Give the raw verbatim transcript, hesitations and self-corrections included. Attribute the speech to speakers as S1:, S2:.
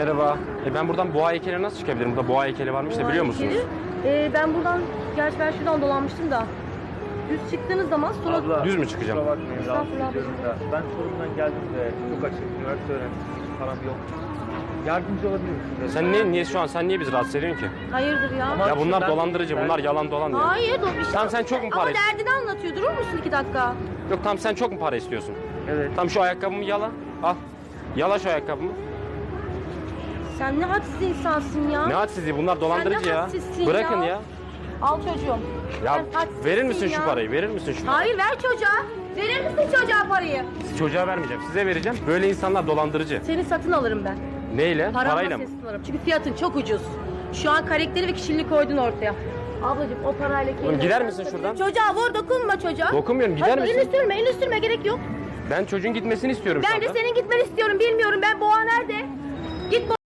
S1: Merhaba. E ben buradan boğa heykeline nasıl çıkabilirim? Burada boğa heykeli varmış da biliyor musunuz?
S2: Ee, ben buradan, gerçi ben şuradan dolanmıştım da. Düz çıktığınız zaman sola...
S3: Abla,
S1: Düz mü çıkacağım?
S3: kusura bakmayın, rahatsız
S2: Estağfurullah
S3: ediyorum da. Ben Çorum'dan geldim de çok açık, üniversite öğrencisiyim, param yok. Yardımcı olabilir misiniz?
S1: Sen niye, niye şu an sen niye bizi rahatsız ediyorsun ki?
S2: Hayırdır ya?
S3: Ama-
S1: Ya bunlar
S3: ben-
S1: dolandırıcı,
S3: ben-
S1: bunlar yalan dolan ya.
S2: Hayır, dur bir şey.
S1: Tamam, sen çok mu para
S2: Ama
S1: istiyorsun?
S2: derdini anlatıyor. Durur musun iki dakika?
S1: Yok tamam, sen çok mu para istiyorsun?
S3: Evet.
S1: Tam şu ayakkabımı yala. Al. Yala şu ayakkabımı.
S2: Sen ne hadsiz insansın ya.
S1: Ne hadsizliği, bunlar dolandırıcı
S2: ne
S1: ya.
S2: hadsizsin
S1: Bırakın
S2: ya.
S1: ya.
S2: Al çocuğum.
S1: Ya
S2: Sen hadsizsin
S1: verir misin
S2: ya.
S1: şu parayı? Verir misin şu parayı?
S2: Hayır, ver çocuğa. Verir misin çocuğa parayı?
S1: Çocuğa vermeyeceğim. Size vereceğim. Böyle insanlar dolandırıcı.
S2: Seni satın alırım ben.
S1: Neyle?
S2: Paramla
S1: Parayla mı?
S2: seni satın alırım. Çünkü fiyatın çok ucuz. Şu an karakteri ve kişiliğini koydun ortaya. Ablacığım o parayla kendine...
S1: Oğlum gider misin şuradan?
S2: Çocuğa vur, dokunma çocuğa.
S1: Dokunmuyorum, gider
S2: Hadi,
S1: misin?
S2: elini sürme, elini sürme, gerek yok.
S1: Ben çocuğun gitmesini istiyorum şu
S2: Ben de
S1: anda.
S2: senin gitmeni istiyorum, bilmiyorum. Ben boğa nerede? Git boğa.